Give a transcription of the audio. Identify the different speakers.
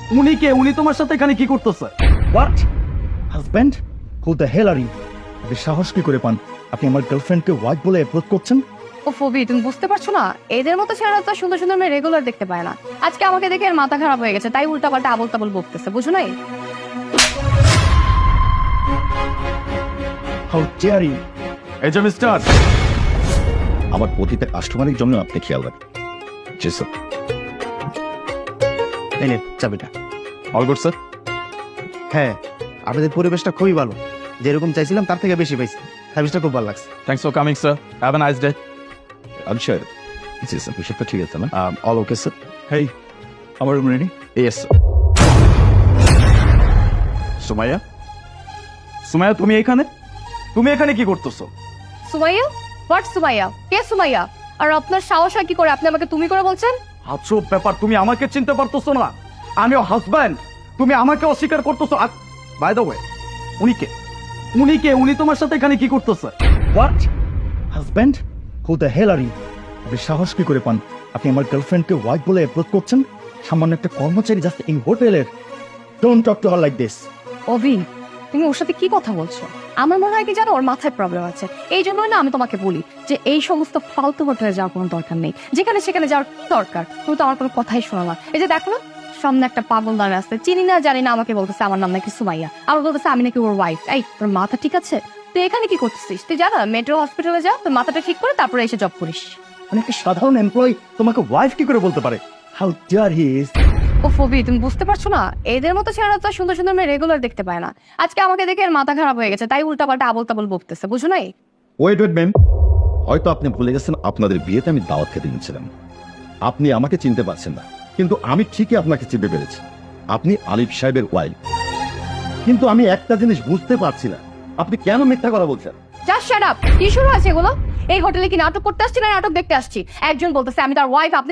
Speaker 1: উনি কে? উনি তোমার সাথে এখানে কি করতেছে?
Speaker 2: What husband? Who the hell are you? আপনি সাহস কি করে পান আপনি আমার গার্লফ্রেন্ডকে ওয়াইফ বলে অ্যাপ্রোচ করছেন?
Speaker 3: ও ফবি, তুমি বুঝতে পারছো না? এদের মতো ছেলেরা তো সুন্দর সুন্দর মেয়ে রেগুলার দেখতে পায় না। আজকে আমাকে দেখে এর মাথা খারাপ হয়ে গেছে, তাই উল্টা পাল্টা আবল তাবল বকতেছে, বুঝো নাই?
Speaker 2: How dare you!
Speaker 1: এই যে মিস্টার,
Speaker 4: আমার প্রতিটা কাস্টমারের জন্য আপনি খেয়াল রাখেন। জি স্যার।
Speaker 5: এই নে চাবিটা।
Speaker 1: All good sir.
Speaker 5: হ্যাঁ, আপনাদের পরিবেশটা খুবই ভালো, যেরকম চাইছিলাম তার থেকে বেশি পাইছি। সার্ভিসটা খুব ভালো লাগছে।
Speaker 1: Thanks for coming sir, have a nice day.
Speaker 4: আমি স্যার, জি স্যার, বিষয়টা ঠিক আছে না?
Speaker 2: All okay sir. হেই, আমার room ready?
Speaker 1: Yes sir. Sumaiya, Sumaiya তুমি এখানে? তুমি এখানে কি করতেছো?
Speaker 3: সুমাইয়া? হোয়াট সুমাইয়া? কে সুমাইয়া? আর আপনার সাহস হয় কি করে আপনি আমাকে তুমি করে বলছেন?
Speaker 1: আজব ব্যাপার, তুমি আমাকে চিনতে পারতেছো না? আমিও হাজব্যান্ড, তুমি আমাকে অস্বীকার করতেছো। বাই দ্য ওয়ে, উনি কে? উনি কে? উনি তোমার সাথে এখানে কি করতেছে?
Speaker 2: What husband? Who the hell are you? আপনি সাহস কি করে পান আপনি আমার গার্লফ্রেন্ডকে ওয়াইফ বলে অ্যাপ্রোচ করছেন? সামান্য একটা কর্মচারী জাস্ট এই হোটেলের। Don't talk to her like this.
Speaker 3: Abhi, তুমি ওর সাথে কি কথা বলছো? আমার মনে হয় কি জানো, ওর মাথায় প্রবলেম আছে। এই জন্যই না আমি তোমাকে বলি যে এই সমস্ত ফালতু হোটেলে যাওয়ার কোনো দরকার নেই। যেখানে সেখানে যাওয়ার কি দরকার? তুমি তো আমার কোনো কথাই শোনো না। এই যে দেখো না, সামনে একটা পাগল দাঁড়িয়ে আসছে, চিনি না জানি না, আমাকে বলতেছে আমার নাম নাকি সুমাইয়া, আবার বলতেছে আমি নাকি ওর ওয়াইফ। এই তোর মাথা ঠিক আছে? তুই এখানে কি করতেছিস? তুই জানা মেট্রো হসপিটালে যা, তোর মাথাটা ঠিক করে তারপরে এসে জব করিস।
Speaker 2: মানে একটা সাধারণ এমপ্লয়ি তোমাকে ওয়াইফ কি করে বলতে পারে? How dare he is!
Speaker 3: ও ফবি, তুমি বুঝতে পারছো না? এদের মতো ছেলেরা তো সুন্দর সুন্দর মেয়ে রেগুলার দেখতে পায় না। আজকে আমাকে দেখে এর মাথা খারাপ হয়ে গেছে, তাই উল্টা পাল্টা আবল তাবল বকতেছে, বুঝো নাই?
Speaker 4: ওয়েট ওয়েট ম্যাম, হয়তো আপনি ভুলে গেছেন আপনাদের বিয়েতে আমি দাওয়াত খেতে গেছিলাম। আপনি আমাকে চিনতে পারছেন না, কিন্তু আমি ঠিকই আপনাকে চিনতে পেরেছি। আপনি আলিফ সাহেবের ওয়াইফ। কিন্তু আমি একটা জিনিস বুঝতে পারছি না, আপনি কেন মিথ্যা কথা বলছেন?
Speaker 3: Just shut up! কি শুরু আছে এগুলো? এই হোটেলে কি নাটক করতে আসছি না নাটক দেখতে আসছি? একজন বলতেছে আমি তার ওয়াইফ, আপনি